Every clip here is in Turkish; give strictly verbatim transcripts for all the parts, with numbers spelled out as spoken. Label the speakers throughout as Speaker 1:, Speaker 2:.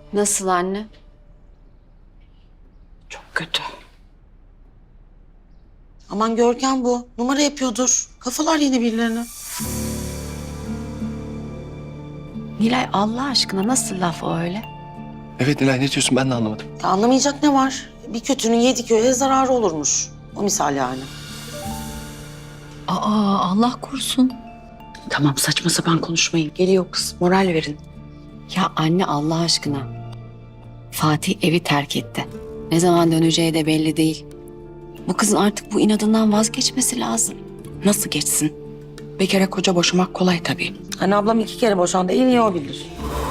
Speaker 1: Nasıl anne?
Speaker 2: Çok kötü.
Speaker 3: Aman Görkem bu. Numara yapıyordur. Kafalar yeni birilerine.
Speaker 1: Nilay Allah aşkına nasıl laf o öyle?
Speaker 4: Evet Nilay, ne diyorsun, ben de anlamadım.
Speaker 3: Ya anlamayacak ne var? Bir kötünün yedi köye zararı olurmuş. O misal yani.
Speaker 2: Aa, Allah korusun. Tamam, saçma sapan konuşmayın. Geliyor kız, moral verin.
Speaker 1: Ya anne Allah aşkına. Fatih evi terk etti. Ne zaman döneceği de belli değil. Bu kızın artık bu inadından vazgeçmesi lazım.
Speaker 2: Nasıl geçsin? Bir kere koca boşamak kolay tabii.
Speaker 3: Hani ablam iki kere boşandı. En iyi o bilir.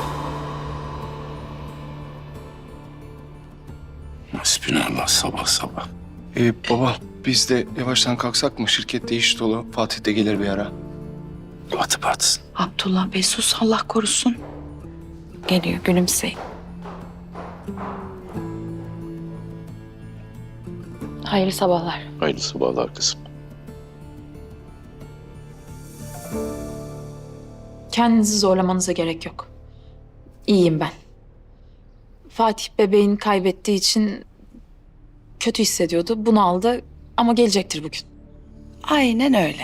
Speaker 5: Hasbinallah sabah sabah.
Speaker 4: Ee, baba, biz de yavaştan kalksak mı? Şirkette iş dolu. Fatih de gelir bir ara.
Speaker 5: Batıp atsın.
Speaker 2: Abdullah Bey sus, Allah korusun. Geliyor, gülümseyin. Hayırlı sabahlar.
Speaker 5: Hayırlı sabahlar kızım.
Speaker 6: Kendinizi zorlamanıza gerek yok. İyiyim ben. Fatih bebeğini kaybettiği için kötü hissediyordu. Bunu aldı ama gelecektir bugün.
Speaker 2: Aynen öyle.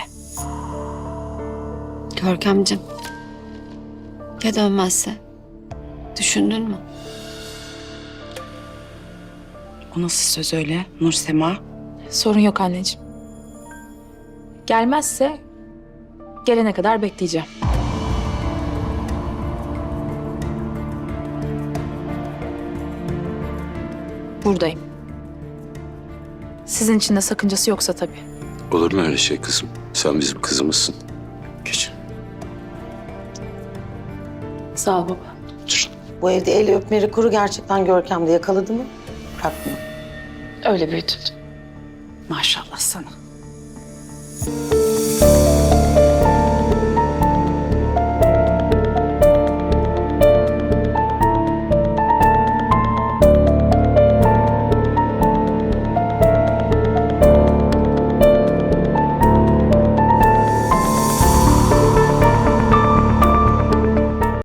Speaker 1: Görkemciğim. Ya dönmezse? Düşündün mü?
Speaker 2: O nasıl söz öyle Nursema?
Speaker 6: Sorun yok anneciğim. Gelmezse gelene kadar bekleyeceğim. Buradayım. Sizin için de sakıncası yoksa tabii.
Speaker 5: Olur mu öyle şey kızım? Sen bizim kızımızsın. Geç.
Speaker 6: Sağ ol baba.
Speaker 5: Otur.
Speaker 3: Bu evde el öpmeri kuru gerçekten Görkem'de yakaladı mı? Bırakma.
Speaker 6: Öyle büyütüldü.
Speaker 2: Maşallah sana.